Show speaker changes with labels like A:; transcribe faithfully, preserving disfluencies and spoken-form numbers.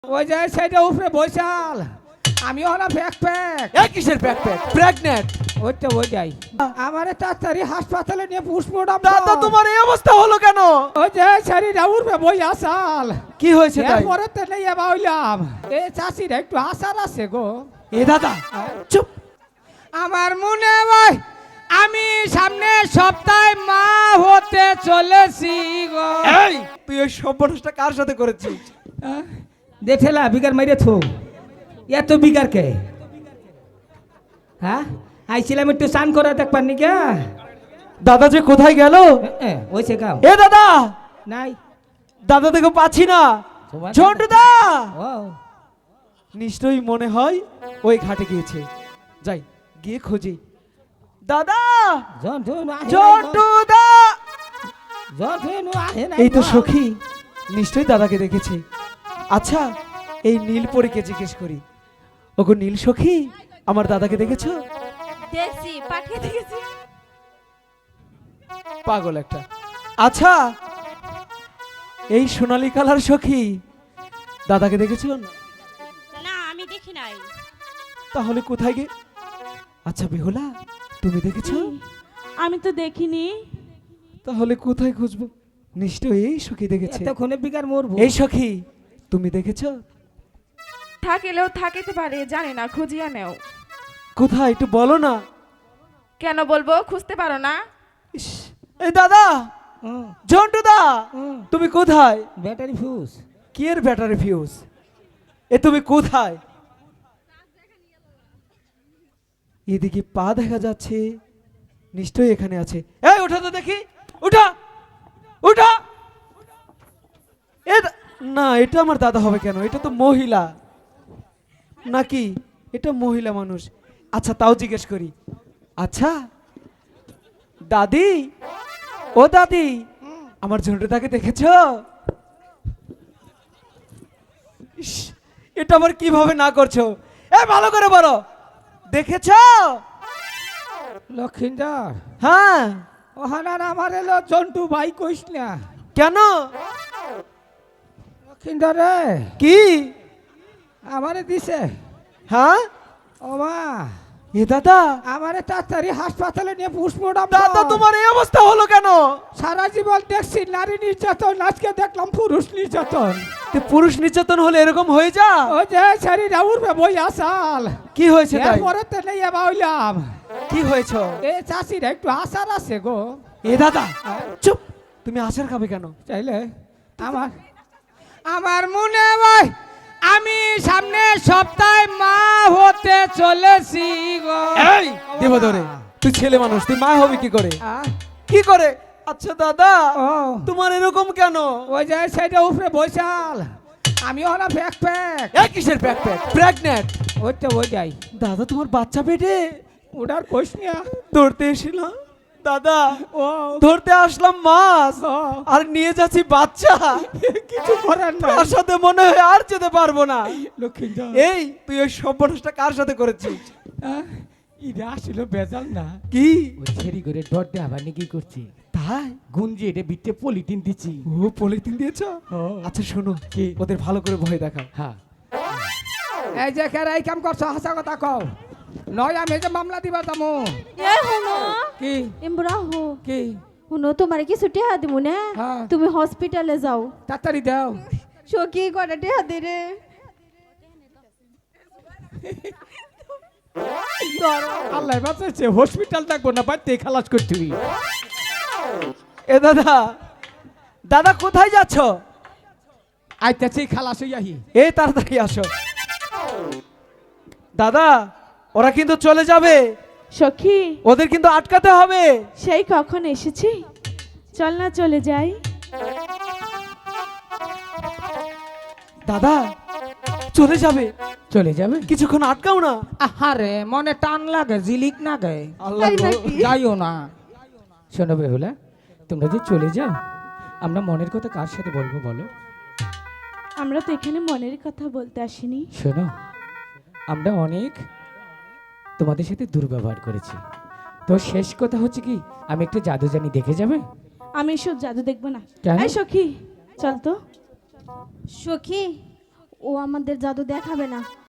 A: ওই যে সেটা উপরে বৈশাল আমি হলাম ব্যাকপ্যাক।
B: এ কিসের ব্যাকপ্যাক? প্রেগন্যান্ট?
A: ওই তো ওই যাই আমারে তাড়াতাড়ি হাসপাতালে নিয়ে পুষ্পটাম।
B: দাদা তোমার এই অবস্থা হলো কেন?
A: ওই যে শরীরে উঠবে বই আসাল।
B: কি হয়েছে তাই?
A: এরপরে তো নেই বাউলাম এ চাষির একটু আসার আছে গো।
B: এ দাদা চুপ।
A: আমার মনে হয় আমি সামনে সপ্তাহে মা হতে চলেছি গো।
B: এই তুই ওই সর্বনাশটা কার সাথে করেছিস?
A: দেখেলা বিগার মাইরে থো এত বিগার কে? হ্যাঁ আইছিলাম একটু স্নান করে দেখবার নি কে?
B: দাদা যে কোথায় গেল?
A: ওই সে গাও
B: এ দাদা
A: নাই
B: দাদা দেখো পাচ্ছি না।
A: তোমার
B: ঝন্টু দা
A: ও
B: নিশ্চয়ই মনে হয় ওই ঘাটে গিয়েছে। যাই গিয়ে খুঁজি। দাদা
A: জন্টু না
B: ঝন্টু দা
A: জন্টু না আহে না।
B: এই তো সখী নিশ্চয়ই দাদাকে দেখেছে। আচ্ছা এই নীলপরীকে জিজ্ঞেস করি। ওগো নীল সখী আমার দাদাকে দেখেছো?
C: দেখছি পাঠিয়ে দিয়েছি।
B: পাগল একটা। আচ্ছা এই সোনালী কালার সখী দাদাকে দেখেছো?
C: না আমি দেখি নাই।
B: তাহলে কোথায় গে? আচ্ছা বেহুলা তুমি দেখেছো?
C: আমি তো দেখিনি।
B: তাহলে কোথায় খুঁজবো? নিশ্চয়ই এই সখী দেখেছে।
A: এতক্ষণে বিগার মরবো।
B: এই সখী তুমি দেখেছো?
D: থাকিলেও থাকিতে পারে জানি না, খুঁজিয়া নেও।
B: কোথায় একটু বলো না।
D: কেন বলবো, খুঁজতে পারো না?
B: ইস, এই দাদা
A: হুম,
B: ঝন্টু দা
A: হুম।
B: তুমি কোথায়?
A: Battery fuse.
B: কি এর ব্যাটারি ফিউজ? এ তুমি কোথায়? এদিকে পা দেখা যাচ্ছে, নিশ্চয়ই এখানে আছে। এই ওঠা তো দেখি, উঠা উঠা। এ দা- না এটা আমার দাদা হবে কেন? এটা তো মহিলা নাকি? এটা মহিলা মানুষ। আচ্ছা তাও জিজ্ঞেস করি। আচ্ছা দাদি, ও দাদি আমার ঝন্টুদাকে দেখেছো? ইস, এটা আবার কিভাবে না করছো? এ ভালো করে বলো, দেখেছো?
A: লক্ষিন্দর
B: হ্যাঁ।
A: ওহানার আমার এলো জন্টু ভাই কইস না।
B: কেন?
A: লক্ষিন্দর রে
B: কি?
A: আমারে দিছে।
B: হ্যাঁ
A: ও মা
B: এ দাদা
A: আমারে তাড়াতাড়ি হাসপাতালে নিয়ে পুষ্পটাম।
B: দাদা তোমার এই অবস্থা হলো কেন?
A: সারা জীবন দেখছি নারী নির্যাতন, আজকে দেখলাম পুরুষ নির্যাতন।
B: তো পুরুষ নির্যাতন হলে এরকম হয়ে যা।
A: ওই যে শরীরে উঠবে বই আসাল।
B: কি হয়েছে তাই?
A: এরপরে তো নেই বাউলাম
B: কি হয়েছে?
A: এ চাষির একটু আসার আছে গো।
B: এ দাদা চুপ। তুমি আচার খাবে কেন?
A: চাইলে আমার আমার মনে হয় আমি সামনে সপ্তাহে মা হতে চলেছি গো।
B: এই দেব ধরে তুই ছেলে মানুষ, তুই মা হবি কি করে?
A: আহ,
B: কি করে? আচ্ছা দাদা
A: ও
B: তোমার এরকম কেন?
A: ওই যে সেটা উপরে বৈশাল আমি হলাম ব্যাকপ্যাক।
B: এ কিসের ব্যাকপ্যাক? প্রেগন্যান্ট?
A: ওই তো ওই যাই
B: দাদা তোমার বাচ্চা পেটে?
A: ওটার কইস না।
B: ধরতে এসেছিলাম দাদা,
A: ও
B: ধরতে আসলাম মাছ
A: ও,
B: আর নিয়ে যাচ্ছি বাচ্চা।
A: কিছু করার না।
B: তার সাথে মনে হয় আর যেতে পারবো না।
A: লক্ষ্মীন্দর
B: এই তুই ওই সর্বনাশটা কার সাথে করেছিস?
A: এটা আসছিল বেজাল না।
B: কি
A: ওই ছেড়ি করে ডট দিয়ে আবার কি করছি
B: তাই?
A: গুঞ্জি এটা বিটে পলিটিন দিচ্ছি।
B: ও পলিথিন দিয়েছ? আচ্ছা শোনো
A: কি?
B: ওদের ভালো করে ভয় দেখাও।
A: হ্যাঁ এই যে কেরা এই কাম করছো হাসা কথা কও, নয় আমি এই যে মামলা দিবা তামো।
C: এ হুনো
A: কি
C: এমবরা হো
A: কি
C: হুনো, তোমার কি ছুটি হাত দিমু না?
A: হ্যাঁ।
C: তুমি হসপিটালে যাও।
A: তাড়াতাড়ি দাও।
C: সখী কটাটে হাত দে রে।
A: আল্লাহ বাঁচাইছে, হসপিটাল থাকবো না, বাড়িতে খালাস করতে হই।
B: এ দাদা দাদা কোথায় যাচ্ছ?
A: আইতাছি খালাস হই আহি।
B: এই তাড়াতাড়ি আসো। দাদা ওরা কিন্তু চলে যাবে,
D: সখী
B: ওদের কিন্তু আটকাতে হবে।
D: সেই কখন এসেছি, চল না চলে যাই।
B: দাদা চলে যাবে,
A: চলে যাবে
B: কিছুক্ষণ আটকাও না।
A: আহারে মনে টান লাগে, জিলিক না গে।
B: আল্লাহ
C: তাই
B: গো।
C: নাকি?
A: যাইও না। শোনো বেহুলা, তোমরা যে চলে যাও আমরা মনের কথা কার সাথে বলবো বলো?
D: আমরা তো এখানে মনের কথা বলতে আসিনি।
A: শোনো, আমরা অনেক তোমাদের সাথে দুর্ব্যবহার করেছি, তো শেষ কথা হচ্ছে কি আমি একটা জাদু জানি, দেখে যাবে?
D: আমি এসব জাদু দেখবো না।
A: কেন?
D: এই সখী চল তো।
C: সখী ও আমাদের জাদু দেখাবে না